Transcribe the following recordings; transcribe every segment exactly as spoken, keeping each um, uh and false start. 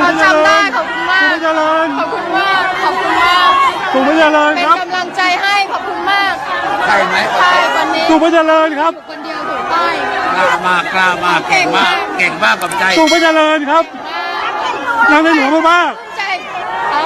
เราจำได้ขอบคุณมากขอบคุณมากขอบคุณมากสุภเจริญเป็นครับกำลังใจให้ขอบคุณมากใช่ไหมใช่วันนี้สุภเจริญครับคนเดียวถูกป้ายกล้ามากกล้ามากเก่งมากเก่งมากกับใจสุภเจริญครับยังในหลวงมากใจครับ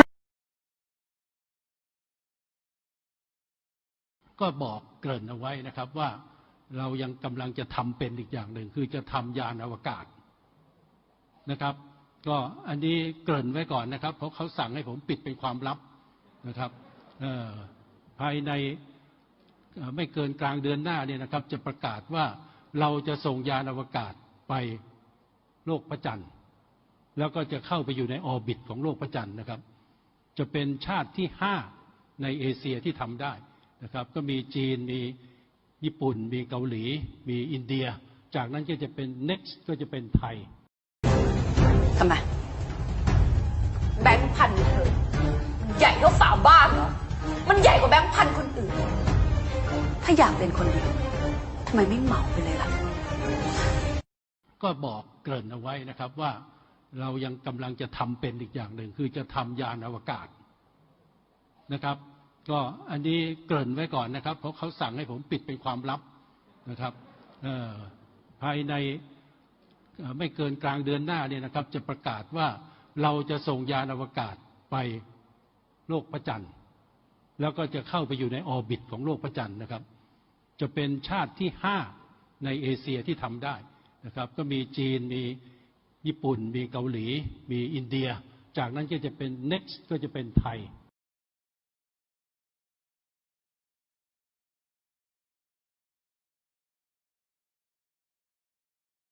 ก็บอกเกริ่นเอาไว้นะครับว่าเรายังกำลังจะทำเป็นอีกอย่างหนึ่งคือจะทำยานอวกาศนะครับก็อันนี้เกริ่นไว้ก่อนนะครับเพราะเขาสั่งให้ผมปิดเป็นความลับนะครับภายในไม่เกินกลางเดือนหน้าเนี่ยนะครับจะประกาศว่าเราจะส่งยานอวกาศไปโลกพระจันทร์แล้วก็จะเข้าไปอยู่ในออร์บิทของโลกพระจันทร์นะครับจะเป็นชาติที่ห้าในเอเชียที่ทำได้นะครับก็มีจีนมีญี่ปุ่นมีเกาหลีมีอินเดียจากนั้นก็จะเป็น next ก็จะเป็นไทยทำไมแบงค์พันเธอใหญ่เท่าฝาบ้านเหรอมันใหญ่กว่าแบงค์พันคนอื่นถ้าอยากเป็นคนดีทำไมไม่เหมาไปเลยล่ะก็บอกเกริ่นเอาไว้นะครับว่าเรายังกำลังจะทำเป็นอีกอย่างหนึ่งคือจะทำยานอวกาศนะครับก็อันนี้เกริ่นไว้ก่อนนะครับเพราะเขาสั่งให้ผมปิดเป็นความลับนะครับภายในไม่เกินกลางเดือนหน้าเนี่ยนะครับจะประกาศว่าเราจะส่งยานอวกาศไปโลกพระจันทร์แล้วก็จะเข้าไปอยู่ในออร์บิทของโลกพระจันทร์นะครับจะเป็นชาติที่ห้าในเอเชียที่ทำได้นะครับก็มีจีนมีญี่ปุ่นมีเกาหลีมีอินเดียจากนั้นก็จะเป็น next ก็จะเป็นไทย